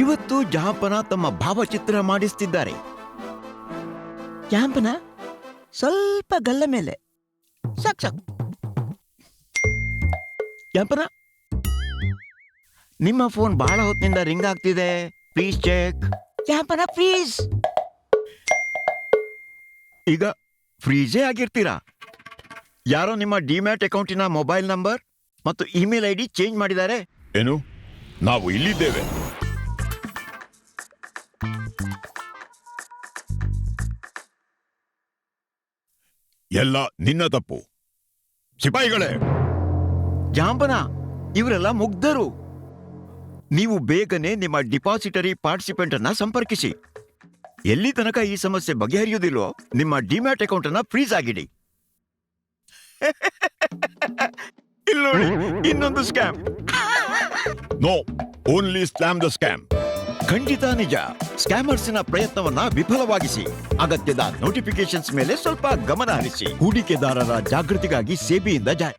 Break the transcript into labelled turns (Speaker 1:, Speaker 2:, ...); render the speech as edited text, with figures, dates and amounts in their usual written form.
Speaker 1: ಇವತ್ತು ಜಾಂಪನ ತಮ್ಮ ಭಾವಚಿತ್ರ ಮಾಡಿಸ್ತಿದ್ದಾರೆ.
Speaker 2: ಜಾಂಪನ ಸ್ವಲ್ಪ ಗಲ್ಲ ಮೇಲೆ ಸಾಕ್ ಸಾಕು.
Speaker 1: ಜಾಂಪನ, ನಿಮ್ಮ ಫೋನ್ ಬಹಳ ಹೊತ್ತಿನಿಂದ ರಿಂಗ್ ಆಗ್ತಿದೆ. Please check.
Speaker 2: ಜಾಂಪನ ಪ್ಲೀಸ್.
Speaker 1: ಈಗ ಫ್ರೀಜೇ ಆಗಿರ್ತೀರಾ. ಯಾರೋ ನಿಮ್ಮ ಡಿಮ್ಯಾಟ್ ಅಕೌಂಟಿನ ಮೊಬೈಲ್ ನಂಬರ್ ಮತ್ತು ಇಮೇಲ್ ಐಡಿ ಚೇಂಜ್ ಮಾಡಿದ್ದಾರೆ.
Speaker 3: ಏನು? ನಾವು ಇಲ್ಲಿದ್ದೇವೆ. ಎಲ್ಲ ನಿನ್ನ ತಪ್ಪು. ಸಿಪಾಯಿಗಳೇ,
Speaker 1: ಜಾಂಪನ, ಇವರೆಲ್ಲ ಮುಗ್ಧರು. ನೀವು ಬೇಗನೆ ನಿಮ್ಮ ಡಿಪಾಸಿಟರಿ ಪಾರ್ಟಿಸಿಪೆಂಟ್ ಅನ್ನ ಸಂಪರ್ಕಿಸಿ. ಎಲ್ಲಿ ತನಕ ಈ ಸಮಸ್ಯೆ ಬಗೆಹರಿಯುವುದಿಲ್ಲೋ ನಿಮ್ಮ ಡಿಮ್ಯಾಟ್ ಅಕೌಂಟ್ ಅನ್ನ ಫ್ರೀಸ್ ಆಗಿಡಿ. ಇಲ್ಲಿ ನೋಡಿ, ಇನ್ನೊಂದು scam.
Speaker 3: No, only slam the scam.
Speaker 1: ಖಂಡಿತ ನಿಜ. ಸ್ಕ್ಯಾಮರ್ಸ್ನ ಪ್ರಯತ್ನವನ್ನ ವಿಫಲವಾಗಿಸಿ. ಅಗತ್ಯದ ನೋಟಿಫಿಕೇಶನ್ಸ್ ಮೇಲೆ ಸ್ವಲ್ಪ ಗಮನ ಹರಿಸಿ. ಹೂಡಿಕೆದಾರರ ಜಾಗೃತಿಗಾಗಿ ಸೆಬಿಯಿಂದ ಜಾರಿ.